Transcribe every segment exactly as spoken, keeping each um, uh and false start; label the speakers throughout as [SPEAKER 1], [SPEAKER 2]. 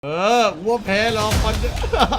[SPEAKER 1] เออวัวแพ้รอคอนคิด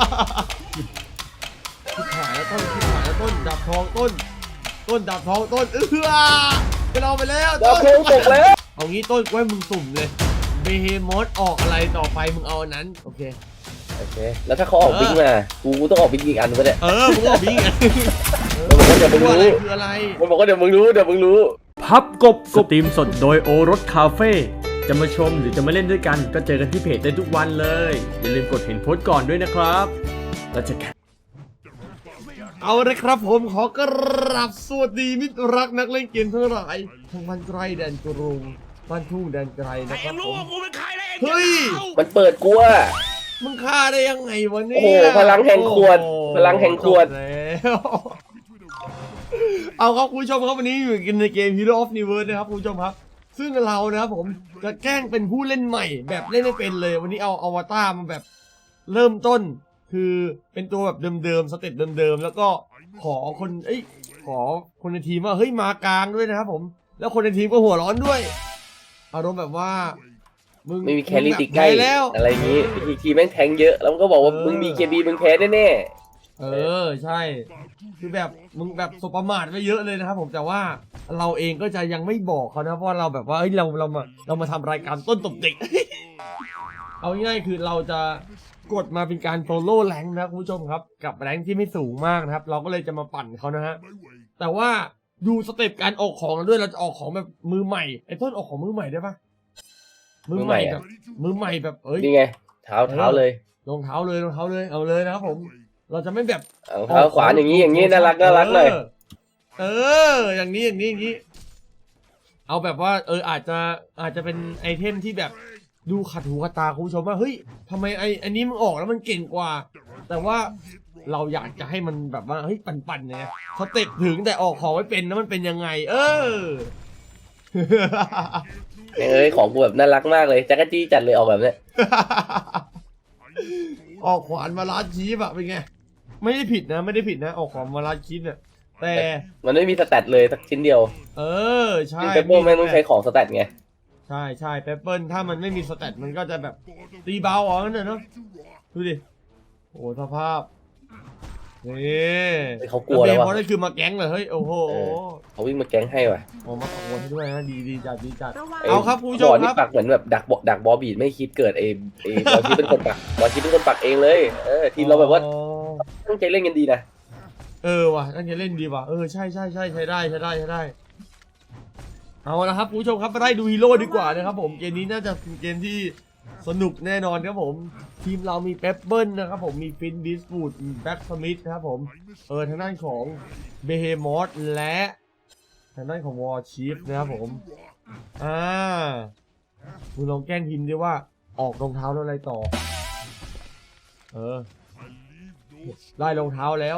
[SPEAKER 1] หายแล้วต้นคิดหายแล้วต้นดับทองต้นต้นดับทองต้นเออไปเราไปแล้ว
[SPEAKER 2] ดับทองตกแล้ว
[SPEAKER 1] เอางี้ต้นไว้มึงสุ่มเลยเบเฮมอสออกอะไรต่อไปมึงเอาอันนั้นโอเค
[SPEAKER 2] โอเคแล้วถ้าเขาออกบิ๊กมากูกูต้องออกบิ๊กอีกอันนึงก็ได้
[SPEAKER 1] เออมึงออกบิ๊กอ่ะ
[SPEAKER 2] มันบอกว่าเดี๋ยวมึงรู้
[SPEAKER 1] คืออะไร
[SPEAKER 2] มันบอกว่าเดี๋ยวมึงรู้เดี๋ยวมึงรู้
[SPEAKER 3] พับกบสตรีมสดโดยโอรสคาเฟ่จะมาชมหรือจะมาเล่นด้วยกันก็เจอกันที่เพจได้ทุกวันเลยอย่าลืมกดเห็นโพสต์ก่อนด้วยนะครับแล้วเจอกัน
[SPEAKER 1] เอาเลยครับผมขอกราบสวัสดีมิตรรักนักเล่นเกมทั้งหลายทั้งบ้านไกลแดนกรุงบ้านทุ่งแดนไกลนะครับผมเฮ้ย
[SPEAKER 2] มันเปิดกูอะ
[SPEAKER 1] มึงฆ่าได้ยังไงวะเนี่ย
[SPEAKER 2] โอ้โหพลังแห่งขวดพลังแห่งขวด
[SPEAKER 1] แล้วเอาครับคุณผู้ชมครับวันนี้อยู่กันในเกม Hero of Universe นะครับคุณผู้ชมครับซึ่งเรานะครับผมจะแกล้งเป็นผู้เล่นใหม่แบบเล่นไม่เป็นเลยวันนี้เอาอวตารมาแบบเริ่มต้นคือเป็นตัวแบบเดิมๆสเต็ปเดิมๆแล้วก็ขอคนเอ้ยขอคนในทีมว่าเฮ้ยมากลางด้วยนะครับผมแล้วคนในทีมก็หัวร้อนด้วยอารมณ์แบบว่า
[SPEAKER 2] มึงไม่มีแครี่ติดใกล้แล้วอะไรอย่างงี้ทีทีแม่งแทงเยอะแล้วมันก็บอกว่ามึงมีเคบีมึงแพ้แน่
[SPEAKER 1] ๆเออใช่คือแบบมึงแบบสบประมาทไปเยอะเลยนะครับผมแต่ว่าเราเองก็จะยังไม่บอกเขานะเพราะเราแบบว่าเฮ้ยเราเรามาเรามาทำรายการต้นตบเด็ก เอาง่ายๆคือเราจะกดมาเป็นการโซโล่แรงนะคุณผู้ชมครับกับแรงที่ไม่สูงมากนะครับเราก็เลยจะมาปั่นเขานะฮะแต่ว่าดูสเต็ปการออกของเราด้วยเราจะออกของแบบมือใหม่ไอ้ต้นออกของมือใหม่ได้ปะมือใหม่แบบมือใหม่แบบเอ้ย
[SPEAKER 2] นี่ไงเท้าเท้าเลย
[SPEAKER 1] รองเท้าเลยรองเท้าเลยเอาเลยนะครับผมเราจะไม่แบบ
[SPEAKER 2] เอาเท้าขวาอย่างนี้อย่างนี้น่ารักน่ารักเลย
[SPEAKER 1] เอออย่างนี้อย่างนี้อย่างนี้เอาแบบว่าเอออาจจะอาจจะเป็นไอเทมที่แบบดูขัดหูขัดตาคุณผู้ชมว่าเฮ้ยทำไมไออันนี้มึงออกแล้วมันเก่งกว่าแต่ว่าเราอยากจะให้มันแบบว่าเฮ้ยปั่นๆเนี่ยสเต็ปถึงแต่ออกของไม่เป็นแล้วมันเป็นยังไงเออ
[SPEAKER 2] เอ้ยของกูแบบน่ารักมากเลยจักรจี้จัดเลยออกแบบเนี้ย
[SPEAKER 1] ออกขวานมาลาดชีฟอะเป็นไงไม่ได้ผิดนะไม่ได้ผิดนะออกขวานมาลาดชีฟเนี่ยแต่
[SPEAKER 2] มันไม่มีสแตทเลยสักชิ้นเดียว
[SPEAKER 1] เออใช่
[SPEAKER 2] เปเปอร์แม่งต้องใช้ของสแตทไง
[SPEAKER 1] ใช่ใช่เปเปิลถ้ามันไม่มีสแตทมันก็จะแบบตีเบาอ๋อนั่นเนาะดูดิโอ้สภาพนี่
[SPEAKER 2] เขากลัวแล้ววะ
[SPEAKER 1] เพราะนั่นคือมาแก๊งเลยเฮ้ยโอ้โห
[SPEAKER 2] เขาวิ่งมาแก๊งให้ว่ะ
[SPEAKER 1] โอ้มาขโมยด้วยนะดีดีจัดดีจัดเอาครับผู้ชมครับ
[SPEAKER 2] ปักเหมือนแบบดักดักบอบีดไม่คิดเกิดเองเองบอคิดเป็นคนปักบอคิดเป็นคนปักเองเลยเออทีมเราแบบว่าตั้งใจเล่นกันดีนะ
[SPEAKER 1] เออว่ะตั้งใจเล่นดีว่ะเออใช่ใช่ใช่ใช้ได้ใช้ได้ใช้ได้เอาละครับผู้ชมครับไปไล่ดูฮีโร่ดีกว่านะครับผมเกมนี้น่าจะเป็นเกมที่สนุกแน่นอนครับผมทีมเรามีเปปเปิลนะครับผมมีฟินบิสบูดมีแบ็กสมิธนะครับผมเออทางด้านของเบเฮมอสและทางด้านของวอร์ชีฟนะครับผมอ่ามึงลองแกล้งทีมดิว่าออกรองเท้าแล้วอะไรต่อเออได้รองเท้าแล้ว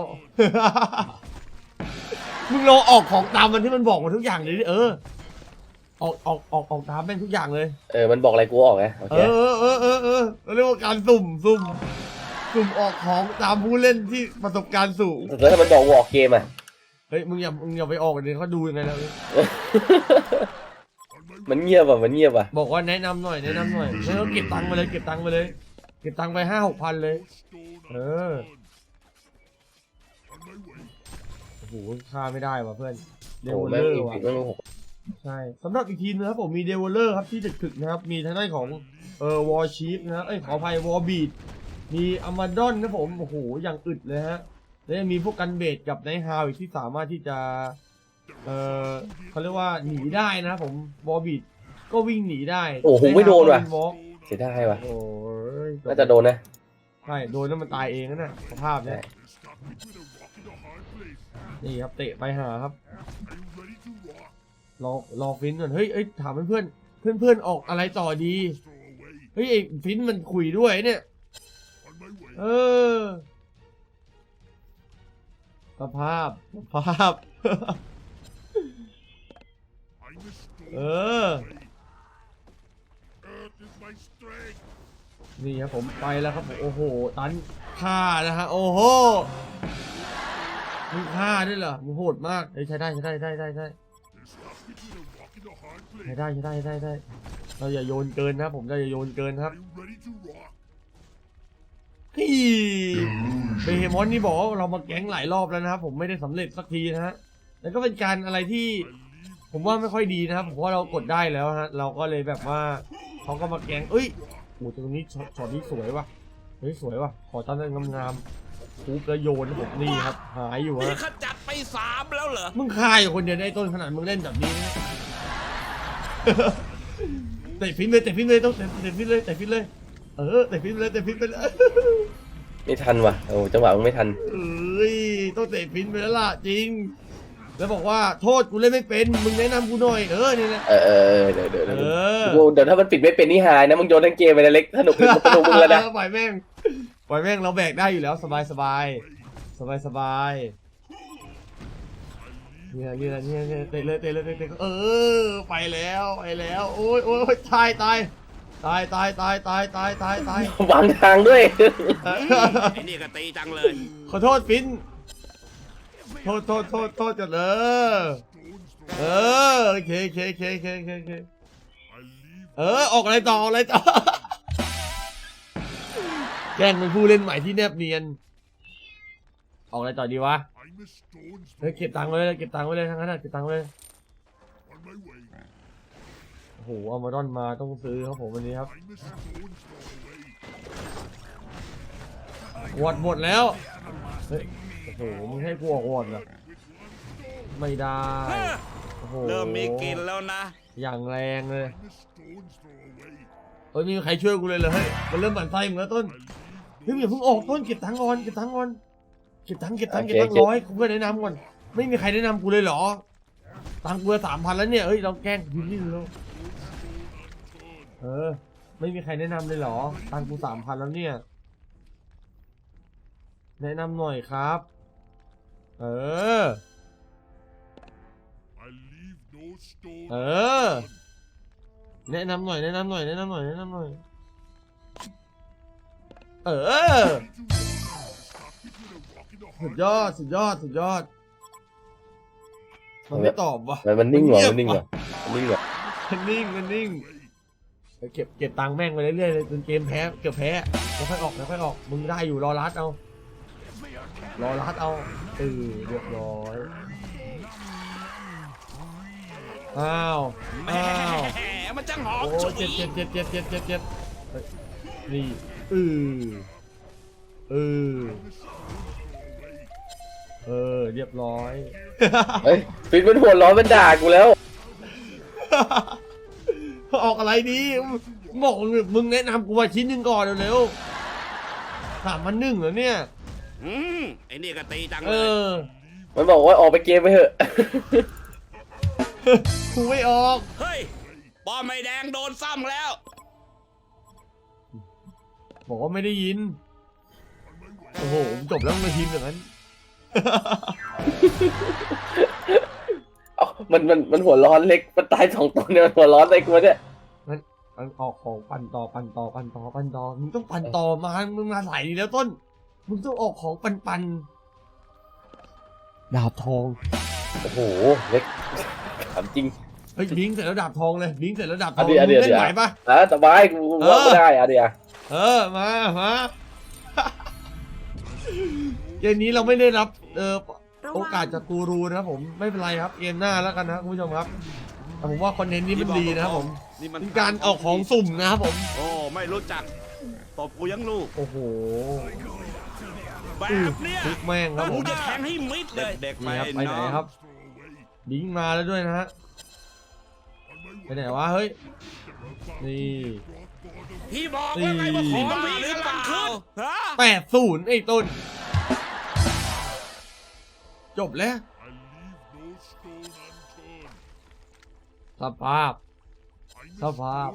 [SPEAKER 1] มึงลองออกของตามมันที่มันบอกมาทุกอย่างเลยดิเออออกออกออกออกตามแม่งทุกอย่างเลย
[SPEAKER 2] เออมันบอกอะไรกูออกไง
[SPEAKER 1] เออเออเออเออเรียกว่าการสุ่มสุ่มสุ่มออกของตามผู้เล่นที่ประสบการณ์สูง
[SPEAKER 2] แล้วถ้ามันบอกวอลเกมอ่ะ
[SPEAKER 1] เฮ้ยมึงอย่ามึงอย่าไปออกเลยเขาดูยังไงแล้ว
[SPEAKER 2] มันเงียบอ่ะมันเงียบอ่ะ
[SPEAKER 1] บอกว่าแนะนำหน่อยแนะนำหน่อยแล้วก็เก็บตังค์ไปเลยเก็บตังค์ไปเลยเก็บตังค์ไปห้าหกพันเลยเออโอ้โหค่าไม่ได้ว่ะเพื่อนเดวเลอร์ว่ะใช่สำหรับอีกทีนะครับผมมีเดวเลอร์ครับที่ถึกๆนะครับมีทางด้านของเออวอร์ชีฟนะเอ้ยขออภัยวอร์บีดมีอามาดอนนะผมโอ้โหอย่างอึดเลยฮะแล้วมีพวกกันเบดกับไนท์ฮาวอีกที่สามารถที่จะเออเขาเรียกว่าหนีได้นะครับผมวอร์บีดก็วิ่งหนีได้
[SPEAKER 2] โอ้โหไม่โดนว่ะเสียดายว่ะ
[SPEAKER 1] โอ้ย
[SPEAKER 2] น่าจะโดนนะ
[SPEAKER 1] ใช่โดนแล้วมันตายเองนะสภาพเนี่ยนี่ครับเตะไปหาครับรอรอฟินก่อนเฮ้ยเอ้ยถามเพื่อนเพื่อนเพื่อนออกอะไรต่อดีเฮ้ยไอ้ฟินมันคุยด้วยเนี่ยเออสภาพสภาพเออนี่ครับผมไปแล้วครับโอ้โหตันฆ่านะฮะโอ้โหมึงฆ่าด้วยเหรอมึงโหดมากเฮ้ยใช้ได้ใช้ได้ได้ได้ได้ใช้ได้ใช้ได้ได้ได้เราอย่าโยนเกินนะผมเราอย่าโยนเกินครับเฮ้ยเบเฮมอนนี่บอกว่าเรามาแก๊งหลายรอบแล้วนะครับผมไม่ได้สำเร็จสักทีนะฮะแล้วก็เป็นการอะไรที่ผมว่าไม่ค่อยดีนะครับผมว่าเรากดได้แล้วฮะเราก็เลยแบบว่าเขาก็มาแก๊งเอ้ยโอ้ตรงนี้ช็อตนี้สวยว่ะเฮ้ยสวยว่ะขอตั้งแต่งามๆปุ๊บแล้วโยนผมนี่ครับหายอยู่
[SPEAKER 4] นี่
[SPEAKER 1] ฮะ
[SPEAKER 4] ขจัดไปสามแล้วเหรอ
[SPEAKER 1] มึงคายอยู่คนเดียวในต้นขนาดมึงเล่นแบบนี้นะ เตะฟินเลยเตะฟินเลยต้องเตะเตะฟินเลยเตะฟินเลยเออเตะฟินเลยเตะฟินไปเลย
[SPEAKER 2] ไม่ทันว่ะโอ้จังหวะมึงไม่ทัน
[SPEAKER 1] เอ้ยต้องเตะฟินไปแล้วล่ะจริงแล้วบอกว่าโทษกูเล่นไม่เป็นมึงแนะนำกูหน่อยเออนี่นะ
[SPEAKER 2] เออเออเดี๋ยวเดี๋ยว
[SPEAKER 1] เอ
[SPEAKER 2] เดี๋ยว
[SPEAKER 1] อ
[SPEAKER 2] กูเดี๋ยวถ้ามันปิดไม่เป็นนี่หายนะมึงโยนทั้งเกมไปนะเล็กสนุกสนุกมึงแล้วนะ
[SPEAKER 1] ปล่อยแม่งปล่อยแม่งเราแบกได้อยู่แล้วสบายสบายสบายสบายเนี่ยเนี่ยเนี่ยเนี่ยเตะเลยเตะเลยเตะเลยเออไปแล้วไปแล้วโอ้ยโอ้ยตายตายตายตายตายตายตายตายตายว
[SPEAKER 2] างทางด้วย
[SPEAKER 4] ไอ้นี่ก็ตีจังเลย
[SPEAKER 1] ขอโทษฟินโทษโทษโทษโทษจัดเออเออโอเคโอเคโอเคโอเคโอเคโอเคเออออกอะไรต่ออะไรต่อแกล้งเป็นผู้เล่นใหม่ที่แนบเนียนออกอะไรต่อดีวะเฮ้ยเก็บตังค์ไว้เลยเก็บตังค์ไว้เลยทั้งนั้นนะเก็บตังค์ไว้เลยโอ้โหเอามาดอนมาต้องซื้อครับผมวันนี้ครับวอดหมดแล้วเฮ้ยโอ้โหมึงให้กูออกวอดเหรอไม่ได้โอ้โห
[SPEAKER 4] เริ่มมีกินแล้วนะ
[SPEAKER 1] อย่างแรงเลยเฮ้ยไมมีใครช่วยกูเลยเหรอเฮ้ยมันเริ่มหมั่นไส้มึงแล้วต้นเฮ้ยอย่าเพิ่งออกต้นเก็บตังค์ก่อนเก็บตังค์ก่อนเก็บตังค์เก็บตังค์เก็บตังค์ร้อยกูเพื่อนแนะนำก่อนไม่มีใครแนะนำกูเลยเหรอตังค์กูสามพันแล้วเนี่ยเฮ้ยเราแกล้งยืนนี่แล้วเออไม่มีใครแนะนำเลยเหรอตังค์กูสามพันแล้วเนี่ยแนะนำหน่อยครับเออเออแนะนำหน่อยแนะนำหน่อยแนะนำหน่อยแนะนำหน่อยเออสุดยอดสุดยอดสุดยอดมันไม่ตอบว่ะ
[SPEAKER 2] มันมันนิ่งเหรอมันนิ่งเหรอมันนิ่งเหรอ
[SPEAKER 1] มันนิ่งมันนิ่งไปเก็บเก็บตังค์แม่งไปเรื่อยๆเลยจนเกมแพ้เกือบแพ้แล้วค่อยออกแล้วค่อยออกมึงได้อยู่รอรัดเอารอรัดเอาเออเรียบร้อยอ้าว
[SPEAKER 4] แหม
[SPEAKER 1] อ้าว
[SPEAKER 4] มันจังหอม
[SPEAKER 1] โอ้
[SPEAKER 4] ฉุ
[SPEAKER 1] เจ็บ
[SPEAKER 4] ย
[SPEAKER 1] เจ็บเจ็บเจ็บเจ็บเจ็บเจ็บเฮ้ยนี่เออเออเออเรียบร้อย
[SPEAKER 2] เฮ้ยฟินมันหัวร้อนมันด่ากูแล้ว
[SPEAKER 1] ออกอะไรดีบอกมึงแนะนำกูว่าชิ้นหนึ่งก่อนเร็วๆสามพันหนึ่งเหรอเนี่ย
[SPEAKER 4] อืมไอ้นี่ก็ตีจัง
[SPEAKER 1] เอ
[SPEAKER 4] เลย
[SPEAKER 1] อ
[SPEAKER 2] มันบอกว่าออกไปเกมไปเถอะ
[SPEAKER 1] กูไม่ออก
[SPEAKER 4] เฮ้ยปอมไม่แดงโดนซ้ำแล้ว
[SPEAKER 1] บอกว่าไม่ได้ยินโอ้โหจบแล้วมาทีมอย่างนั้น
[SPEAKER 2] เอ้ามันมันมันหัวร้อนเล็กมันตายสองตัวเนี่ยมันหัวร้อนอะไรกูวะเนี่ย
[SPEAKER 1] มันมันออกของปั่นต่อปั่นต่อปั่นต่อปั่นต่อมึงต้องปั่นต่อมามึงมาสายนี้แล้วต้นมึงต้องออกของปั่นปั่นดาบทอง
[SPEAKER 2] โอ้โหเล็กถามจริง
[SPEAKER 1] เฮ้ยบิงเสร็จแล้วดาบทองเลยบิงเสร็จแล้วดาบท
[SPEAKER 2] อั
[SPEAKER 1] อน ง
[SPEAKER 2] เดียวอัน
[SPEAKER 1] มึ
[SPEAKER 2] เดียว
[SPEAKER 1] งเล่นไหวปะ
[SPEAKER 2] อ่ะสบายกูว่าไม่ได้อ่ะเดียว
[SPEAKER 1] เออมามาเกมนี้เราไม่ได้รับเอ่อโอกาสจากกูรูนะครับผมไม่เป็นไรครับเกมหน้าแล้วกันนะคุณผู้ชมครับแต่ผมว่าคอนเทนต์นี้มันดีนะครับผม
[SPEAKER 4] นี่มัน
[SPEAKER 1] เป็นการออกของสุ่มนะครับผม
[SPEAKER 4] โอ้ไม่รู้จักตบกูยังลูก
[SPEAKER 1] โอ้โห
[SPEAKER 4] แบบเนี้ย
[SPEAKER 1] ทุกแม่งครับผ
[SPEAKER 4] กู
[SPEAKER 1] ม
[SPEAKER 4] จะแทงให้มิดเลยเด็กๆไป
[SPEAKER 1] นี่ครับไปไหน
[SPEAKER 4] น้อง
[SPEAKER 1] ครับบิงมาแล้วด้วยนะฮะไปไหนวะเฮ้ยนี่
[SPEAKER 4] พี่บอกว่าไงว่าของมีหรือเปล่าฮะ
[SPEAKER 1] แปดศูนย์ไอ้ต้นจบแล้วสภาพสภาพ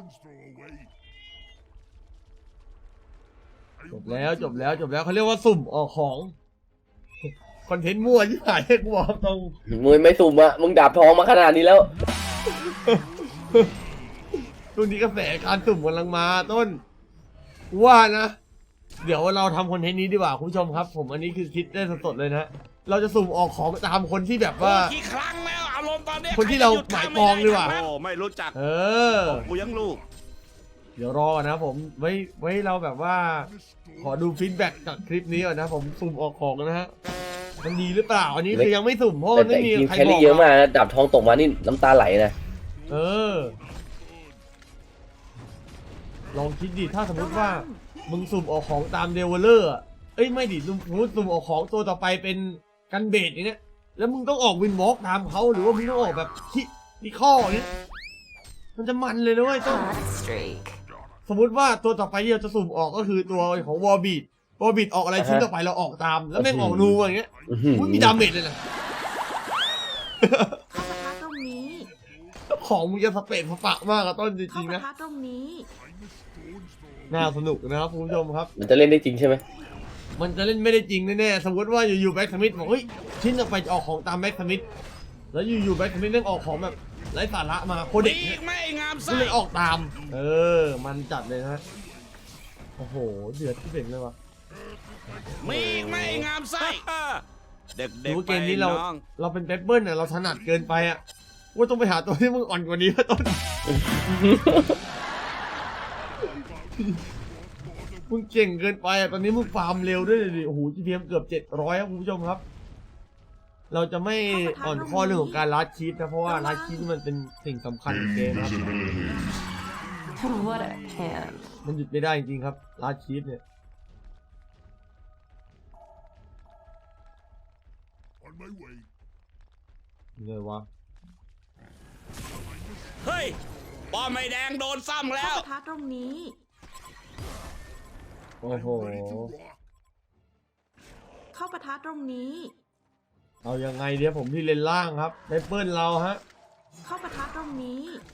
[SPEAKER 1] จบแล้วจบแล้วจบแล้วเขาเรียกว่าสุ่มออกของคอนเทนต์มั่วที่หายให้กูบอกตรง
[SPEAKER 2] มึงไม่สุ่มอ่ะมึงดาบทองมาขนาดนี้แล้ว
[SPEAKER 1] ช่วงนี้กระแสการสุ่มกำลังมาต้นว่านะ เดี๋ยวเราทำคอนเทนต์นี้ดีกว่าคุณผู้ชมครับ ผมอันนี้คือคิดได้สดๆเลยนะเราจะสุ่มออกของตามคนที่แบบว่า
[SPEAKER 4] กี่ครั้งแล้วอารมณ์ตอนเนี้ย
[SPEAKER 1] คนที่เราหมายปองดีกว่า
[SPEAKER 4] โอ้ไม่รู้จัก
[SPEAKER 1] เออ
[SPEAKER 4] ตบกูยังลูก
[SPEAKER 1] เดี๋ยวรอก่อนนะครับผมไว้ไว้เราแบบว่า ขอดูฟีดแบ็กจากคลิปนี้ก่อนนะผมสุ่มออกของนะฮะมันดีหรือเปล่าอันนี้คือยังไม่สุ่มเพราะ
[SPEAKER 2] แต่
[SPEAKER 1] มัน
[SPEAKER 2] แต่
[SPEAKER 1] ไม่มี
[SPEAKER 2] ทีม
[SPEAKER 1] ใคร
[SPEAKER 2] แค
[SPEAKER 1] บ
[SPEAKER 2] รี่
[SPEAKER 1] อก
[SPEAKER 2] เยอะ
[SPEAKER 1] มาม
[SPEAKER 2] ากนะดาบทองตกมานี่น้ำตาไหลนะ
[SPEAKER 1] เออ ลองคิดดิถ้าสมมติว่ามึงสุ่มออกของตามเดเวลเลอร์อะเอ้ยไม่ดิสมมติสุ่มออกของตัวต่อไปเป็นกันเบดอย่างเนี้ยแล้วมึงต้องออกวินวอล์กตามเขาหรือว่ามึงต้องออกแบบคิดิข้ออย่างเนี้ยมันจะมันเลยนะเว้ยต้อง
[SPEAKER 5] Hot streak.
[SPEAKER 1] สมมติว่าตัวต่อไปที่เราจะสุ่มออกก็คือตัวของวอร์บีดวอร์บีดออกอะไรชิ้นต่อไปเราออกตาม แล้วแม่งออกนูอย่างเงี้ย
[SPEAKER 2] อื้อหือ
[SPEAKER 1] อุ้ยมีดาเมจเลยนะ
[SPEAKER 5] เข้าปะทะตรงนี้
[SPEAKER 1] ของมึงจะสเปรดสปะมากอะต้นจ
[SPEAKER 5] เข้า
[SPEAKER 1] ริงๆ
[SPEAKER 5] ปะ
[SPEAKER 1] นะ
[SPEAKER 5] ทะตรงนี้
[SPEAKER 1] น่าสนุกนะครับคุณผู้ชมครับ
[SPEAKER 2] มันจะเล่นได้จริงใช่ไหม
[SPEAKER 1] มันจะเล่นไม่ได้จริงแน่ๆสมมติว่าอยู่ๆแบ็กสมิธบอกเฮ้ยชิ้นต่อไปจะออกของตามแบ็กสมิธแล้วอยู่ๆแบ็กสมิธเรื่องออกของแบบไร้สาระมาโค
[SPEAKER 4] มี
[SPEAKER 1] เด็ก
[SPEAKER 4] อี
[SPEAKER 1] เนี่ย
[SPEAKER 4] กไหม่งาม
[SPEAKER 1] ก็
[SPEAKER 4] ไส้
[SPEAKER 1] เลยออกตาม เออ มันจัดเลยนะโอ้โหเดือดที่เป่งเลยวะ
[SPEAKER 4] มีอีกไหม่งามไส้เด็ก
[SPEAKER 1] ดู
[SPEAKER 4] ๆ
[SPEAKER 1] ว่า
[SPEAKER 4] ไป
[SPEAKER 1] เกมนี้เรา
[SPEAKER 4] น้อง
[SPEAKER 1] เราเป็นเปปเปิลเนี่ยเราถนัดเกินไปอ่ะว่าต้องไปหาตัวที่มึงอ่อนกว่านี้วะต้น มึงเก่งเกินไปอ่ะตอนนี้มึงฟาร์มเร็วด้วยดิโอ้โห จี พี เอ็ม เกือบเจ็ดร้อยครับคุณผู้ชมครับ เราจะไม่อ่อนข้อเรื่องของการลัดชีพนะเพราะว่าลัดชีพนี่มันเป็นสิ่งสำคัญของเกมครับ
[SPEAKER 5] What a can.
[SPEAKER 1] มันหยุดไม่ได้จริงๆครับลัดชีพเนี่ยยังไงวะ
[SPEAKER 4] เฮ้ยป้อมไม่แดงโดนซ้ำแล้
[SPEAKER 5] เข้าว ปะทะตรงนี้
[SPEAKER 1] โอ้โห
[SPEAKER 5] เข้าปะทะตรงนี้
[SPEAKER 1] เอายังไงเดี๋ยวผมที่เลนล่างครับเปปเปิลเราฮะ
[SPEAKER 5] เข้าปะทะตรงนี้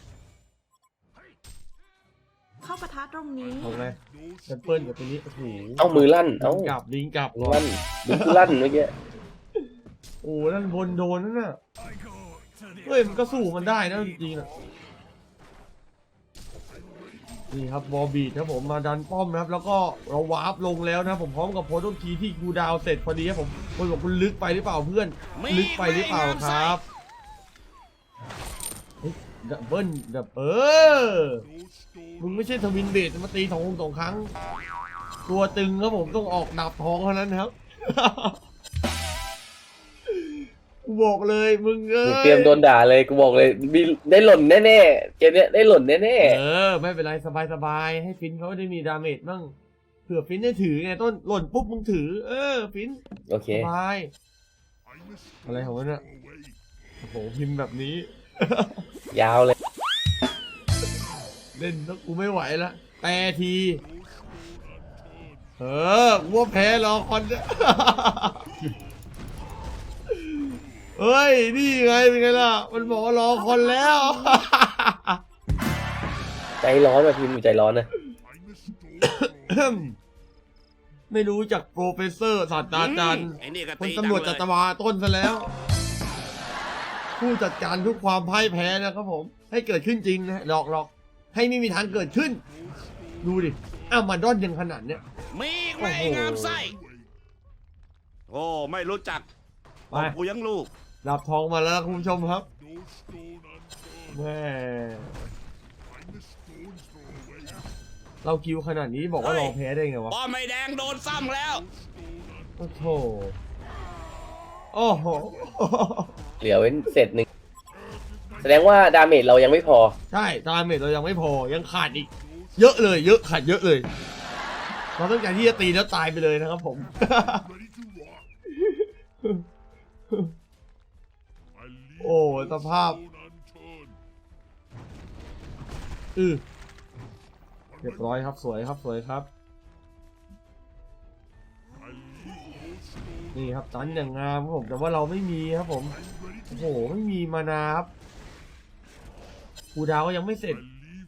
[SPEAKER 5] เข้าปะทะตรงนี้
[SPEAKER 1] เอาไงเปปเปิลกับตัวนี้โอ้โห
[SPEAKER 2] เอามือลั่น เอา
[SPEAKER 1] ลิงกลับลิงกลับ
[SPEAKER 2] มือลั่นมือลั่นเมื่อกี้
[SPEAKER 1] โอ้นั่นบนโดนนั่นน่ะเฮ้ยมันก็สู้มันได้นะจริงๆนะนี่ครับบอบีดครับผมมาดันป้อมนะครับ แล้วก็เราวาร์ปลงแล้วนะผมพร้อมกับโพสต์ทีที่กูดาวเสร็จพอดีครับผมคนบอกคุณลึกไปหรือเปล่าเพื่อน
[SPEAKER 4] มี
[SPEAKER 1] ลึกไปหรือเปล่าครับเฮ้ยดับเบิ้ลดับเออมึงไม่ใช่ทวินเบดมาตีสองสองครั้ง ตัวตึงครับผมต้องออกดาบทองเท่านั้นครับ กูบอกเลยมึงเอ้
[SPEAKER 2] กู
[SPEAKER 1] ย
[SPEAKER 2] เตรียมโดนด่าเลยกูบอกเลยมีได้หล่นแน่ๆเกมเนี้ยได้หล่นแน่
[SPEAKER 1] เออไม่เป็นไรสบายสบายๆให้ฟินเขาได้มีดาเมจบ้างเผื่อฟินได้ถือไงต้นหล่นปุ๊บมึงถือ เออฟิน
[SPEAKER 2] ๆโอเค
[SPEAKER 1] สบายอะไรของมันอะโอ้โหพิมพ์แบบนี้
[SPEAKER 2] ยาวเลย
[SPEAKER 1] เล่นแล้วกูไม่ไหวละแปรที เออวัวแพ้รอคอนเนี่ย เฮ้ย นี่ไงเป็นไงล่ะ มันบอกว่ารอคอนแล้ว
[SPEAKER 2] ใจร้อนว่ะทีมใจร้อนนะ
[SPEAKER 1] ไม่รู้จากโปรเฟสเซอร์ศาสตราจารย์
[SPEAKER 4] ไอ้นี่ก็
[SPEAKER 1] คน
[SPEAKER 4] ตี
[SPEAKER 1] ตำรวจ
[SPEAKER 4] ดั
[SPEAKER 1] จั
[SPEAKER 4] ง
[SPEAKER 1] ต
[SPEAKER 4] เลย
[SPEAKER 1] วาต้นซะแล้ว ผู้จัดการทุกความพ่ายแพ้นะครับผม ให้เกิดขึ้นจริงนะหลอกหลอกให้ไม่มีทางเกิดขึ้น ดูดิอ้าวมาดอนยังขนาดเนี้ย
[SPEAKER 4] มีอีกไหม่งามไส้โอ้ไม่รู้จัก
[SPEAKER 1] ไป
[SPEAKER 4] กูยังลูก
[SPEAKER 1] ดับทองมาแล้วคุณผู้ชมครับแม่เราคิวขนาดนี้บอกว่าเราแพ้ได้ไงวะ
[SPEAKER 4] ป้อมไม่แดงโดนซ้ำแล้ว
[SPEAKER 1] โอ้โหโอ้โห
[SPEAKER 2] เหลือเว้นเสร็จหนึ่งแสดงว่าดาเมจเรายังไม่พอ
[SPEAKER 1] ใช่ดาเมจเรายังไม่พอยังขาดอีก เยอะเลย เยอะขาดเยอะเลย เราต้องการที่จะตีแล้วตายไปเลยนะครับผม โอ้สภาพอือเรียบร้อยครับสวยครับสวยครับ นี่ครับตันอย่างงามครับผมแต่ว่าเราไม่มีครับผมโอ้โหไม่มีมานาครับคูดาวก็ยังไม่เสร็จ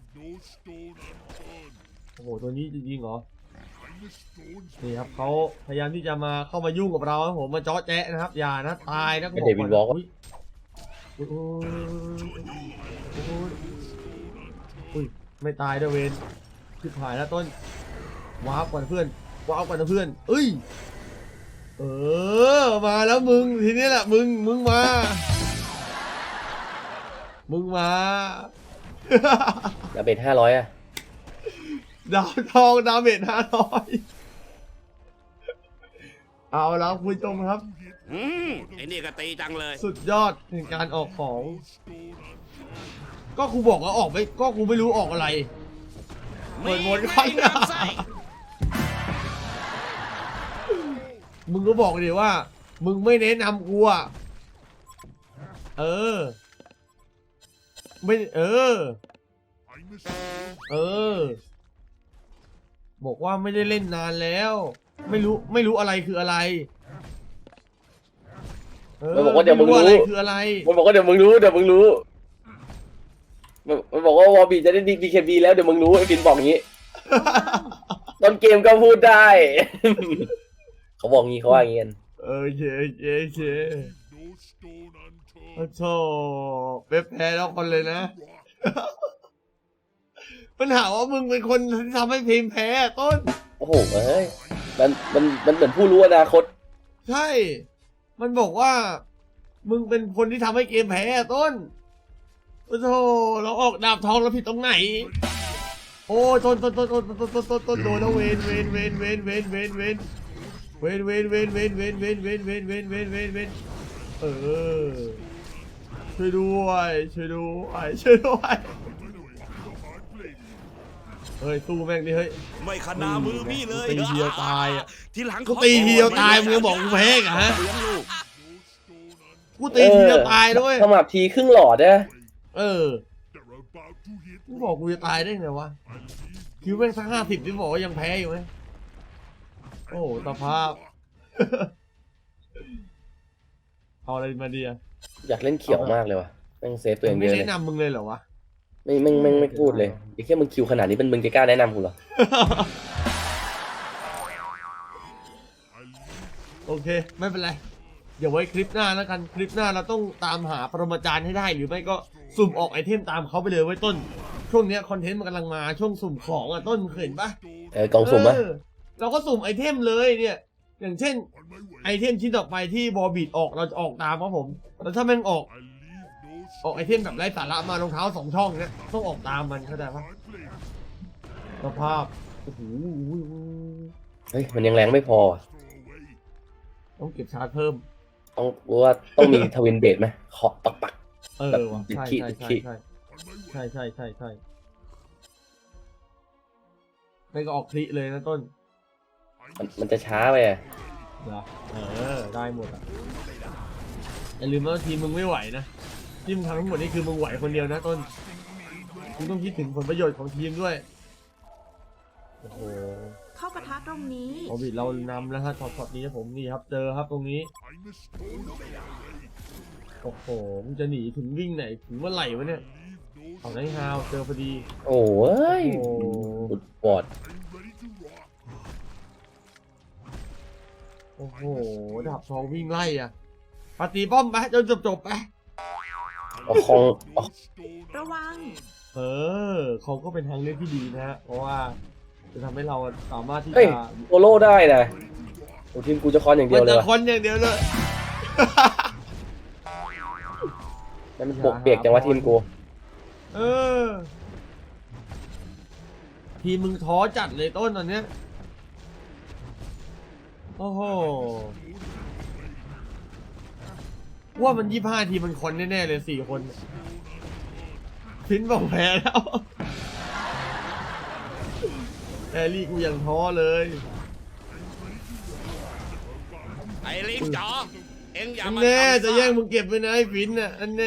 [SPEAKER 1] โอ้โหตัวนี้จริงๆเหรอนี่ครับเขาพยายามที่จะมาเข้ามายุ่งกับเราครับผมมาเจาะแจ๊ะนะครับอย่านะตายนะ
[SPEAKER 2] ไม่ได้วินวอล์ก
[SPEAKER 1] อุ๊ยอุ๊ยอุ๊ยอุ๊ยไม่ตายด้วยเวนชิบหายแล้วต้นว้าวกว่าเพื่อนว้าวกว่าเพื่อนเอ้ยเออมาแล้วมึงทีนี้แหละมึงมึงมามึงมา
[SPEAKER 2] ดาเมจห้าร้อยอะ
[SPEAKER 1] ดาวทองดาเมจห้าร้อยเอาแล้วคุณผู้ชมครับ
[SPEAKER 4] อืมไอ้นี่ก็ตีจังเลย
[SPEAKER 1] สุดยอดในการออกของ ก็กูบอกว่าออกไม่ก็กูไม่รู้ออกอะไร เปิดวนก่อน
[SPEAKER 4] มีน้ำไส้
[SPEAKER 1] มึงก็บอกดิว่า มึงไม่แนะนำกูอ่ะเออ ไม่เออ เออ บอกว่าไม่ได้เล่นนานแล้ว ไม่รู้ไม่รู้อะไรคืออะไรเออ
[SPEAKER 2] มันบอกว่าเดี๋ยวมึงรู้
[SPEAKER 1] ไอะไรคืออะไร
[SPEAKER 2] มันบอกว่าเดี๋ยวมึงรู้เดี๋ยวมึงรู้มันมันบอกว่าวอบีจะได้ดีเคบีแล้วเดี๋ยวมึงรู้ไอ้บินบอกอย่างนี้ต้นเกมก็พูดได้ เขาบอกงี้เขาว่าอย่างงี้กัน
[SPEAKER 1] เออเคเคเคโอ้โธ่เป๊ปแพ้แล้วคนเลยนะ ปัญหาว่ามึงเป็นคนที่ทำให้พิมพ์แพ้ต้น
[SPEAKER 2] โอ้โหเอ้ยมันมันมันเหมือนผู้รู้อนาคต
[SPEAKER 1] ใช่ มันบอกว่า มึงเป็นคนที่ทำให้เกมแพ้ต้นโอ้โธ่เราออกดาบทองเราผิดตรงไหน โอ้ต้นต้นต้นต้นต้นต้นต้นต้นโดนแล้วเวนเวนเวนเวนเวนเวนเวนเวนเวนเวนเวนเวนเวนเวนเวนเวนเวนเวนเวนเออช่วยด้วยช่วยด้วยช่วยด้วยเฮ้ยสู้แม่งดิเฮ้ย
[SPEAKER 4] ไม่ขนามือพี่เลย
[SPEAKER 1] ตีเดียวตายอะ
[SPEAKER 4] ทีหลัง
[SPEAKER 1] กูตีทีเดียวตายมึงยังบอกกูแพ้อีกเหรอฮะ
[SPEAKER 4] เลี้ยงลูก
[SPEAKER 1] กูตีทีเดียวตายด้วย
[SPEAKER 2] ขมับทีครึ่งหลอดนะ
[SPEAKER 1] เออกูบอกกูจะตายได้ไงวะคิวแม่งสักห้าสิบที่บอกว่ายังแพ้อยู่ไหมโอ้โหสภาพ เอาอะไรมาดีอะ
[SPEAKER 2] อยากเล่นเขียวมากเลยว่ะแม่งเซฟตัวเอง
[SPEAKER 1] ไม่
[SPEAKER 2] เยอะเลย
[SPEAKER 1] แนะนำมึงเลยเหรอวะ
[SPEAKER 2] ไม่ไม่ไม่ไม่พูดเลยไอ้แค่มึงคิวขนาดนี้เป็นมึงจะกล้าแนะนำกูเหรอ
[SPEAKER 1] โอเค ไม่เป็นไร เดี๋ยวไว้คลิปหน้าแล้วกันคลิปหน้าเราต้องตามหาปรมาจารย์ให้ได้หรือไม่ก็สุ่มออกไอเทมตามเขาไปเลยไว้ต้น ช่วงเนี้ยคอนเทนต์มันกำลังมาช่วงสุ่มของอ่ะต้นเคยเห็นปะ
[SPEAKER 2] เออกล่องสุ่มปะ
[SPEAKER 1] เออเราก็สุ่มไอเทมเลยเนี่ย อย่างเช่น ไอเทมชิ้นต่อไปที่บอบีดออกเราจะออกตามครับผมแล้วถ้าแม่งออก ออกไอเทมแบบไร้สาระมารองเท้าสองช่องเนี่ยต้องออกตามมันเข้าใจปะสภาพโอ้โห
[SPEAKER 2] เฮ้ยมันยังแรงไม่พอว่ะ
[SPEAKER 1] ต้องเก็บชาร์จเพิ่ม
[SPEAKER 2] ต้องรู้ว่าต้องมีทวินเบดไหมเคาะปักปัก
[SPEAKER 1] เออว่ะใช่
[SPEAKER 2] ขี้
[SPEAKER 1] ใช่
[SPEAKER 2] ขี้
[SPEAKER 1] ใช่ใช่ใช่ใช่ใช่ใช่ไม่ก็ออกคลิเลยนะต้น
[SPEAKER 2] มันมันจะช้าไปอะ
[SPEAKER 1] เหรอเออได้หมดอ่ะอย่าลืมว่าทีมมึงไม่ไหวนะที่มึงทำทั้งหมดนี่คือมึงไหวคนเดียวนะต้นมึงต้องคิดถึงผลประโยชน์ของทีมด้วยโอ้โห
[SPEAKER 5] เข้าปะทะตรงนี้
[SPEAKER 1] โอบิดเรานำแล้วฮะช็อตๆนี้ครับผมนี่ครับเจอครับตรงนี้โอ้โหมึงจะหนีถึงวิ่งไหนถึงเมื่อไหร่วะเนี่ยเอาไนท์ฮาวเจอพอดี
[SPEAKER 2] โอ้ย
[SPEAKER 1] โอ้
[SPEAKER 2] บุดบอด
[SPEAKER 1] โอ้โหดาบทองวิ่งไล่อ่ะปาตีป้อมไปจนจบจบๆไป
[SPEAKER 2] เอาคองเอา
[SPEAKER 5] ระวัง
[SPEAKER 1] เออเขาก็เป็นทางเลือกที่ดีนะฮะเพราะว่าจะทำให้เราสามารถที่
[SPEAKER 2] เฮ้ย
[SPEAKER 1] จะ
[SPEAKER 2] โอโล่ได้นะโอ้ทีมกูจะคอนอย่างเดี
[SPEAKER 1] มั
[SPEAKER 2] ยวน เลย
[SPEAKER 1] จะ
[SPEAKER 2] ว่ะ
[SPEAKER 1] คอนอย่างเดียวเลย
[SPEAKER 2] นั่นมันปกเปียกจังวะทีมกู
[SPEAKER 1] เออทีมมึงท้อจัดเลยต้นตอนเนี้ยโอ้โหว่ามันยี่ห้าทีมมันคอนแน่ๆเลยสี่คนพินบอกแพ้แล้วแอรี่กูยังท้อเลย
[SPEAKER 4] ไอ้ลิงจ๋อเอ็งอย่า
[SPEAKER 1] อัน
[SPEAKER 4] มา
[SPEAKER 1] แน่
[SPEAKER 4] ทำ
[SPEAKER 1] จะแย่งมึงเก็บไปนะไอ้ฟินน่ะอันแน่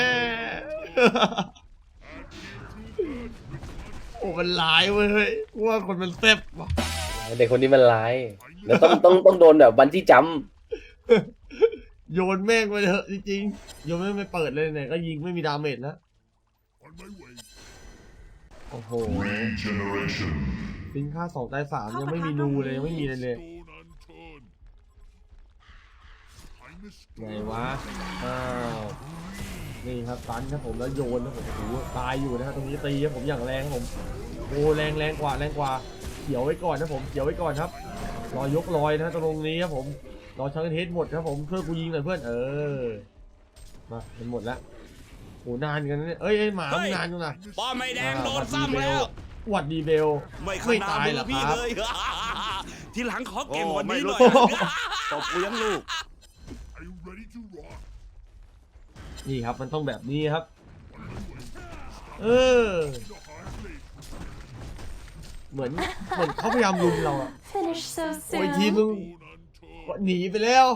[SPEAKER 1] โอ้มันร้ายเว้ยเฮ้ยว่าคนมันแซ่บว่ะ
[SPEAKER 2] เด็กคนนี้มันร้ายแล้วต้องต้องต้องโดนแบบบันจี้จัมป์
[SPEAKER 1] โยนแม่งไปเถอะจริงๆโยนแม่งไม่เปิดเลยไหนก็ยิงไม่มีดาเมจนะโอ้โหฟินค่าสองตายสามยังไม่มีนูเลยยังไม่มีเลยเลยไงวะอ้าวนี่ครับตันครับผมแล้วโยนนะผมโอ้โหตายอยู่นะฮะตรงนี้ตีครับผมอย่างแรงครับผมโอ้แรงแรงกว่าแรงกว่าเขียวไว้ก่อนนะผมเขียวไว้ก่อนครับรอยกลอยนะตรงนี้ครับผมรอชังเทสหมดครับผมช่วยกูยิงหน่อยเพื่อนเออมาเป็นหมดแล้วโอ้นานกันนะเนี่ยเอ้ยไอ้หมามันนานจังนะ
[SPEAKER 4] ป้อมไม่แดงโดนซ้ำแล้ว
[SPEAKER 1] หวัดดีเบล
[SPEAKER 4] ไม่ข
[SPEAKER 1] ไม่
[SPEAKER 4] นา
[SPEAKER 1] ตาย
[SPEAKER 4] มื
[SPEAKER 1] เหร
[SPEAKER 4] อ
[SPEAKER 1] อ
[SPEAKER 4] พี่
[SPEAKER 1] ครับ
[SPEAKER 4] เลย ทีหลังขอเก่งกว่านี้หน่อย
[SPEAKER 1] โอ้ไม่รู้
[SPEAKER 4] ตบกูยังลูก
[SPEAKER 1] นี่ครับมันต้องแบบนี้ครับ เออ เหมือนเหมือนเขาพยายามลุมเราอะ
[SPEAKER 6] Finish so
[SPEAKER 1] โอ้ยทีม
[SPEAKER 6] soon.
[SPEAKER 1] มึงหนีไปแล้ว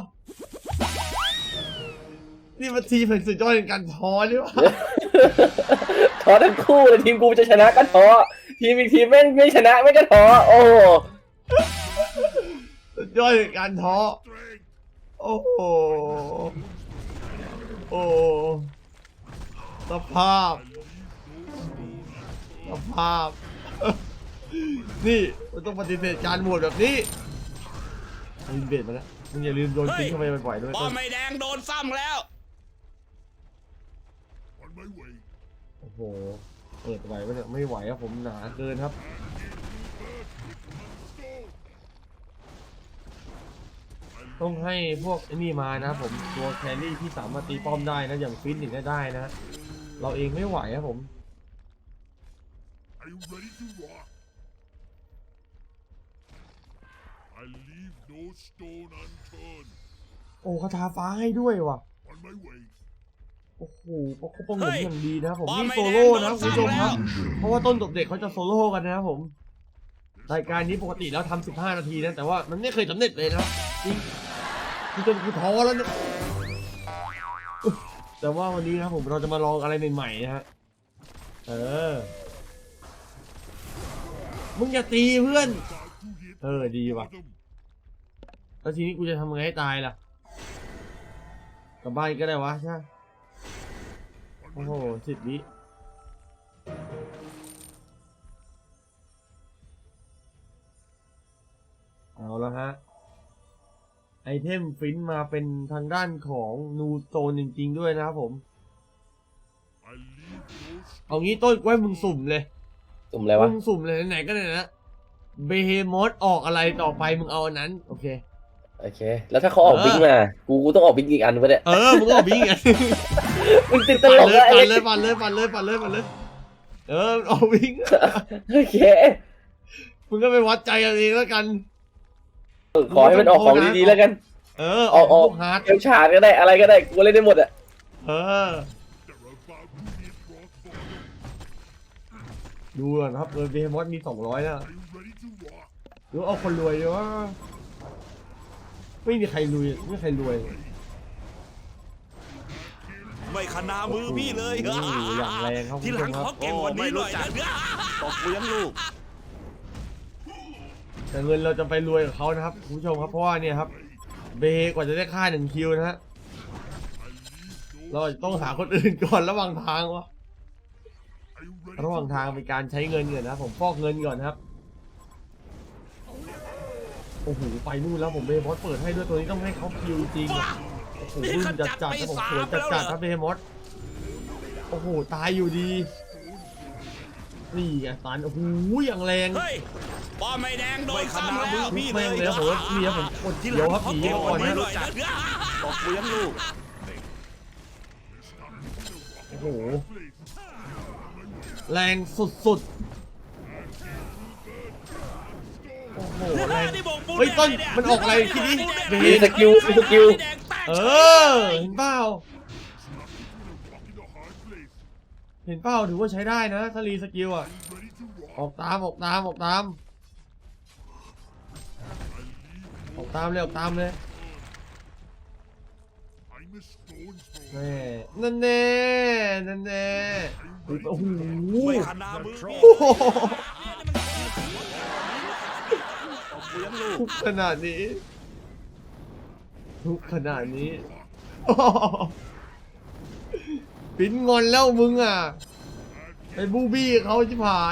[SPEAKER 1] นี่มันทีมเป็นสุดยอดในการท้อหรือเปล่า
[SPEAKER 2] ท้อทั้งคู่เลยทีมกูจะชนะก็ท้อทีมอีกทีมแม่งไม่ชนะไม่ก็ท้อโอ้โห
[SPEAKER 1] สุดยอดในการท้อ โอ้โห โอ้สภาพสภาพ นี่มันต้องปฏิเสธการโหวตแบบนี้ลืมเบรดมาแล้วมึงอย่าลืมโดนทิ้งเข้าไปบ่อยๆด้วย
[SPEAKER 4] ป้อมไม่แดงโดนซ้ำแล้ว
[SPEAKER 1] โอ้โห เปิดไหวปะเนี่ยไม่ไหวครับผมหนาเกินครับ ต้องให้พวกไอ้นี่มานะผมตัวแครี่ที่สามารถตีป้อมได้นะอย่างฟินอย่างนี้ได้นะ เราเองไม่ไหวครับผม
[SPEAKER 7] I leave no stone unturned.
[SPEAKER 1] โอ้คาถาฟ้าให้ด้วยว่ะ
[SPEAKER 7] On my way.
[SPEAKER 1] โอ้โหเขาป้องหนุน
[SPEAKER 4] เฮ้ย
[SPEAKER 1] อย่างดีนะครับผม
[SPEAKER 4] บอล
[SPEAKER 1] นี่
[SPEAKER 4] ไม่
[SPEAKER 1] โซโล่
[SPEAKER 4] แดง
[SPEAKER 1] นะ
[SPEAKER 4] โดน
[SPEAKER 1] คุณผู้ชมครับ
[SPEAKER 4] ซ้ำแล้ว
[SPEAKER 1] เพราะว่าต้นตบเด็กเขาจะโซโล่กันนะครับผม รายการนี้ปกติแล้วทำสิบห้านาทีนะแต่ว่ามันไม่เคยสำเร็จเลยนะจริงคือจนกูท้อแล้วเนี่ยแต่ว่าวันนี้นะครับผมเราจะมาลองอะไรใหม่ๆนะฮะเออมึงอย่าตีเพื่อน เออดีว่ะ แล้วทีนี้กูจะทำไงให้ตายล่ะกลับบ้านก็ได้วะใช่ไหมโอ้โหสิบวิเอาแล้วฮะไอเทมฟินมาเป็นทางด้านของนูโซนจริงๆด้วยนะครับผม
[SPEAKER 7] I leave no stone.
[SPEAKER 1] เอางี้ต้นกล้วยมึงสุ่มเลย
[SPEAKER 2] สุ่มอะไรวะ
[SPEAKER 1] มึงสุ่มเลยไหนๆก็ไหนนะเบเฮมอสออกอะไรต่อไปมึงเอาอันนั้นโอเค
[SPEAKER 2] โอเค แล้วถ้าเขาออก
[SPEAKER 1] เออ
[SPEAKER 2] บิ๊กมากูกูต้องออกบิ๊กอีกอันวะเนี่ย
[SPEAKER 1] เออมึงก็เอาบิงไง
[SPEAKER 2] มึงติดต
[SPEAKER 1] ปั่น
[SPEAKER 2] ลก
[SPEAKER 1] เลย
[SPEAKER 2] อะไอ้
[SPEAKER 1] ปั่น
[SPEAKER 2] เล็
[SPEAKER 1] เลย
[SPEAKER 2] ก
[SPEAKER 1] ปั่นเลยปั่นเลยปั่นเลยปั่นเลยเออเอาบิง
[SPEAKER 2] โอเค
[SPEAKER 1] มึงก็ไปวัดใจเอาเองแล้วกัน
[SPEAKER 2] ขอให้มันออกของดีๆแล้วกัน
[SPEAKER 1] เออ
[SPEAKER 2] ออกออก
[SPEAKER 1] พวฮาร์ด
[SPEAKER 2] เอลชาร์ดก็ได้อะไรก็ได้กูเล่นได้หมดอะ
[SPEAKER 1] เออ
[SPEAKER 7] They're about to hit rock bottom.
[SPEAKER 1] ดูก่อนครับเออเบมอสมีสองร้อยแล้ว
[SPEAKER 7] Are you ready to rock?
[SPEAKER 1] หรือเอาคนรวยดีวะไม่มีใครรวยไม่มีใครรวย
[SPEAKER 4] ไม่ขนามือพี่เลย
[SPEAKER 1] โอ้โหอย่างแรงครับ
[SPEAKER 4] ทีหลัง
[SPEAKER 1] คุณผู้ชมครับ
[SPEAKER 4] ขอเก่งกว่านี้หน่อยนะ
[SPEAKER 3] ตบกูยังลูก
[SPEAKER 1] แต่เงินเราจะไปรวยกับเขานะครับคุณผู้ชมครับเพราะว่าเนี่ยครับเบกว่าจะได้ค่าหนึ่งคิวนะฮะเราต้องหาคนอื่นก่อนระหว่างทางวะ
[SPEAKER 7] Are you ready
[SPEAKER 1] ระหว่าง
[SPEAKER 7] to
[SPEAKER 1] ทาง
[SPEAKER 7] rock?
[SPEAKER 1] เป็นการใช้เงินก่อนนะครับผมฟอกเงินก่อนนะครับโอ้โหไปนู่นแล้วผมเบมอสเปิดให้ด้วยตัวนี้ต้องให้เขาคิวจริงอะโอ้โหรุ่นจัดจัดครับผมสวยจัดจัดครับเบมอสโอ้โหตายอยู่ดีนี่ไงตันโอ้โหอย่างแรง
[SPEAKER 4] เฮ้ยป้อมไม่แดงโดน
[SPEAKER 3] ไม่ขนา
[SPEAKER 4] ซ้ำ
[SPEAKER 3] มื
[SPEAKER 4] แล้
[SPEAKER 3] อ
[SPEAKER 4] ว
[SPEAKER 3] พี่
[SPEAKER 1] แม่งเลยครับผมนี่ครับผมกด
[SPEAKER 4] ที
[SPEAKER 1] เดี
[SPEAKER 4] ห
[SPEAKER 1] ย
[SPEAKER 4] ลั
[SPEAKER 1] ว
[SPEAKER 4] ง
[SPEAKER 1] ครับ
[SPEAKER 4] ขอ
[SPEAKER 1] หนี
[SPEAKER 4] เก่ง
[SPEAKER 1] มาก ก่อ
[SPEAKER 4] ว่าน นี้
[SPEAKER 1] นะ
[SPEAKER 4] หน่อยนะ
[SPEAKER 3] ตบกูยังลูก
[SPEAKER 1] โอ้โหแรงสุดๆโอ้โหแรง
[SPEAKER 4] นี่บอกปู
[SPEAKER 1] เฮ้ยต้น
[SPEAKER 4] แดง
[SPEAKER 1] มันออกอะไรคิดดิเบ
[SPEAKER 2] มีสกิลมีสกิล
[SPEAKER 4] แดงแตก
[SPEAKER 1] เออเห็นเปล่า
[SPEAKER 7] In the heart place.
[SPEAKER 1] เห็นเปล่าถือว่าใช้ได้นะถ้ารีสกิลอ่ะ
[SPEAKER 7] Ready to rock?
[SPEAKER 1] ออกตามออกตามออกตามออกตามเลยออกตามเลย
[SPEAKER 7] I'm a stone's throw.
[SPEAKER 1] แน่นั่นแน่นั่นแน่โอ้โห
[SPEAKER 4] ไม่ขนามือพี่
[SPEAKER 1] โอ้โห
[SPEAKER 3] ตบกูยังลูก
[SPEAKER 1] ทุกขนาดนี้ทุกขนาดนี้โอ้โหปิ้นงอนแล้วมึงอ่ะไปบูบี้เขาชิบหาย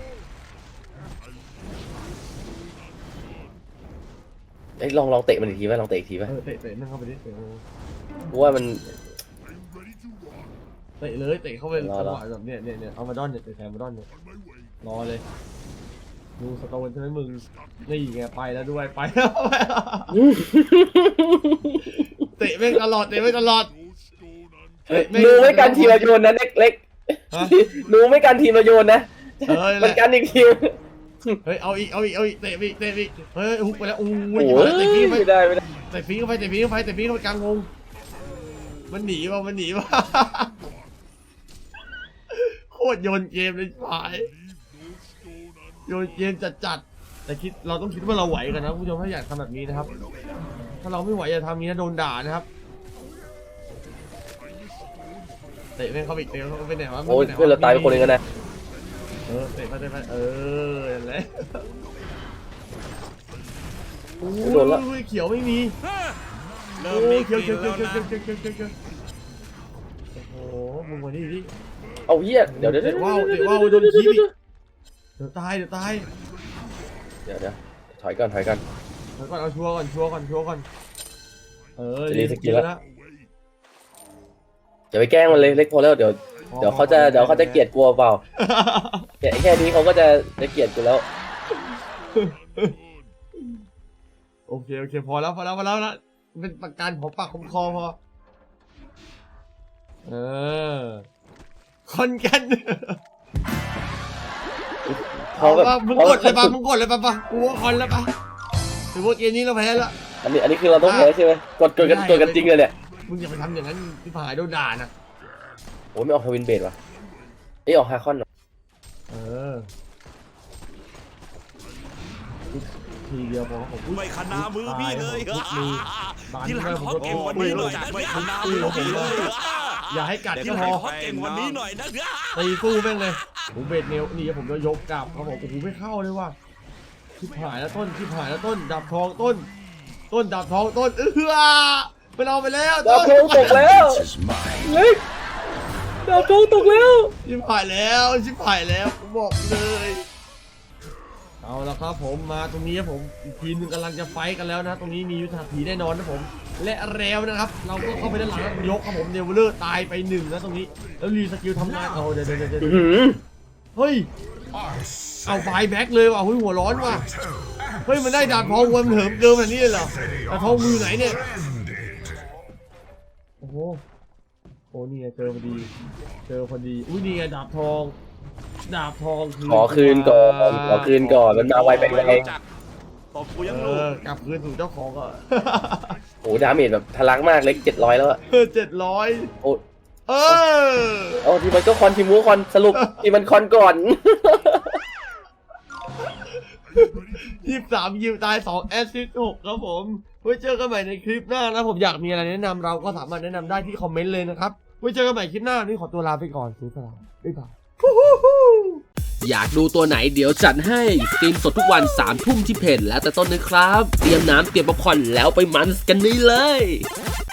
[SPEAKER 2] เอ้ยลองลองเตะมันอีกทีไหมลองเตะอีกทีไหม
[SPEAKER 1] เออเตะเตะนั่งเข้าไปดิเตะ
[SPEAKER 2] กูว่ามัน
[SPEAKER 7] Are you ready to rock?
[SPEAKER 1] เตะเลยเตะเข้าไป
[SPEAKER 2] ร
[SPEAKER 1] จั
[SPEAKER 2] อง รอ
[SPEAKER 1] หวะแบบเนี้ยเนี่ยเนี่ยเอามาดอนเนี่ยเตะแทนมาดอนเนี่ย
[SPEAKER 7] On my way.
[SPEAKER 1] รอเลยดูสโตนใช่ไหมมึงนี่ไงไปแล้วด้วยไปแล้ว เตะแม่งตลอดเตะแม่งตลอด
[SPEAKER 7] No stone unturned.
[SPEAKER 2] หนูไม่กันทีมเราโยนนะเล็กเล็ก
[SPEAKER 1] ฮะ
[SPEAKER 2] หนูไม่กันทีมเราโยนนะ
[SPEAKER 1] เออนั่นแห
[SPEAKER 2] มัน
[SPEAKER 1] ละ
[SPEAKER 2] กันอีกที
[SPEAKER 1] เฮ้ยเอาอีกเอาอีกเอาอีกเตะไปอีกเตะไปอีกเฮ้ยฮุกไปแล้วโอ้
[SPEAKER 2] โอ้
[SPEAKER 1] ย
[SPEAKER 2] โห
[SPEAKER 1] เตะฟรีไป
[SPEAKER 2] ไม่ได้ไม่ได้
[SPEAKER 1] เตะฟรีเข้าไปเตะฟรีเข้าไปเตะฟรีเข้าไปกลางวงมันหนีว่ะมันหนีว่ะโคตรโยนเกมเลยฝ่ายโยนเกมจัดๆแต่คิดเราต้องคิดว่าเราไหวกันนะคุณผู้ชมถ้าอยากทำแบบนี้นะครับ ถ้าเราไม่ไหวอย่าทำนี้นะโดนด่านะครับเตะแม่งเข้าไปอีกเตะเข้าไปไหนวะ
[SPEAKER 2] โอ้ยเพื่อนเราตายไปคนหนึงกันนะ
[SPEAKER 1] เออเตะไปเตะไปเออนั่นแหละโอ้ยเขียวไม่มี
[SPEAKER 4] เริ่
[SPEAKER 1] โอ้
[SPEAKER 4] มมี
[SPEAKER 1] ย
[SPEAKER 4] ก
[SPEAKER 1] เขียว
[SPEAKER 4] ลิ่
[SPEAKER 1] เขีย
[SPEAKER 4] น
[SPEAKER 1] ว
[SPEAKER 4] แล้ว
[SPEAKER 1] เขียว
[SPEAKER 4] นะ
[SPEAKER 1] เขียวเขียวเขียวเขียวโอ้โหมึงมาดิดิ
[SPEAKER 2] เอาเหี้ยเดี๋ยวเดี๋ยว
[SPEAKER 1] เตะ
[SPEAKER 2] เดี๋ยว
[SPEAKER 1] ว่าวเตะว่าวโดนขี้อีกเดี๋ยวตายเดี๋ยวตาย
[SPEAKER 2] เดี๋ยวเดี๋ยวถอยก่อนถอยก่อน
[SPEAKER 1] เดี๋ยวก่อนเอาชัวร์ก่อนชัวร์ก่อนชัวร์ก่อนเออ
[SPEAKER 2] จะรีสกิลแล้ว
[SPEAKER 1] แล้ว
[SPEAKER 2] อย่าไปแกล้งมันเลยเล็กพอแล้วเดี๋ยวเดี๋ยวเขาจะเดี๋ยวเขาจะเกลียดกลัวเปล่าแค่แค่นี้เขาก็จะจะเกลียดกูแล้ว
[SPEAKER 1] โอเคโอเคพอแล้วพอแล้วพอแล้วนะเป็นประกันของปากของคอพอเออคอนกัน
[SPEAKER 2] เขาแบบ
[SPEAKER 1] ปะมึงกดเลยปะมึงกดเลยปะปะกูว่าคอนแล้วปะถือว่าเกมนี้เราแพ้แล้ว
[SPEAKER 2] อันนี้อันนี้คือเราต้องแพ้ใช่ไหมกดกดกันกดกันจริงเลยเนี่ย
[SPEAKER 1] มึงอย่าไปทำอย่างนั้นที่ผายโดนด่านะ
[SPEAKER 2] โอ้ยไม่ออกทวินเบดว่ะเอ้ยออกฮาคอนเหรอ
[SPEAKER 1] เออทีเดียวพอผม
[SPEAKER 4] ไม่ขนามือพี่เลย
[SPEAKER 1] ทุกมือ
[SPEAKER 4] ที่หลังขอเก่งกวันนี้หน่อยนะไม่ขนามือพี่เลย
[SPEAKER 1] อย่าให้กัด
[SPEAKER 4] แต่
[SPEAKER 1] ที่
[SPEAKER 4] ที่
[SPEAKER 1] พ
[SPEAKER 4] หลั
[SPEAKER 1] อง
[SPEAKER 4] ขอเก่งกวันนี้หน่อยนะ
[SPEAKER 1] ตีสู้แม่งเลยผมเบดเนลนี่ผมจะยกกลับเขาบอกโอ้โหไม่เข้าเลยว่ะชิบหายแล้วต้นชิบหายแล้วต้นดับทองต้น ต้นดับทองต้นเออไปเอาไปแล้ว
[SPEAKER 2] ดาวโทงตกแล้วเล็กดาวโทงตกแล้ว
[SPEAKER 1] ชิบหายแล้วชิบหายแล้วผมบอกเลยเอาละครับผมมาตรงนี้ครับผมอีกทีมหนึงกำลังจะไฟท์กันแล้วนะตรงนี้มียุทธาผีแน่นอนนะผมและแล้วนะครับ เราก็เข้าไปด้านหลังแล้วยกครับผมเดวิลเลอร์ตายไปหนึ่งนะตรงนี้แล้วรีสกิลทำงานเอาเดี๋ยวเดี๋ยวเดี๋ยว
[SPEAKER 2] อื้อหือ
[SPEAKER 1] เฮ้ยเอาไฟแบ็กเลยว่ะเฮ้ยหัวร้อนว่ะเฮ้ยมันได้ดาบทองวันเหิมเกินแบบนี้เลยเหรอดาบทองมือไหนเนี่ยโอ้โหโอ้นี่ไงเจอพอดีเจอพอดีอุ้ยนี่ไงดาบทองดาบทองคือ
[SPEAKER 2] ขอคืนก่อนขอคืนก่อนมันมาไวไปไว
[SPEAKER 4] ตบกูยัง
[SPEAKER 1] เอ
[SPEAKER 4] รู้
[SPEAKER 1] อกลับคืนสู่เจ้าของอ่ะ
[SPEAKER 2] โอ้ดาเมจแบบทะลักมากเล็กเจ็ดร้อยแล้วอะ
[SPEAKER 1] เจ็ดร้อย
[SPEAKER 2] โอ้
[SPEAKER 1] เออ
[SPEAKER 2] เอาทีมันก็คอนทีมูคอนสรุปทีมันคอนก่อน
[SPEAKER 1] ยี่สิบสามยิวตายสองแอสซิสต์หกครับผมไว้เจอกันใหม่ในคลิปหน้านะผมอยากมีอะไรแนะนำเราก็สามารถแนะนำได้ที่คอมเมนต์เลยนะครับไว้เจอกันใหม่คลิปหน้านี่ขอตัวลาไปก่อนซื้อสลามบ๊ายบาย
[SPEAKER 6] อยากดูตัวไหนเดี๋ยวจัดให้สตรีมสดทุกวันสามทุ่มที่เพจแล้วแต่ต้นนะครับ เตรียมน้ำเตรียมป๊อปคอร์นแล้วไปมันส์กันนี่เลย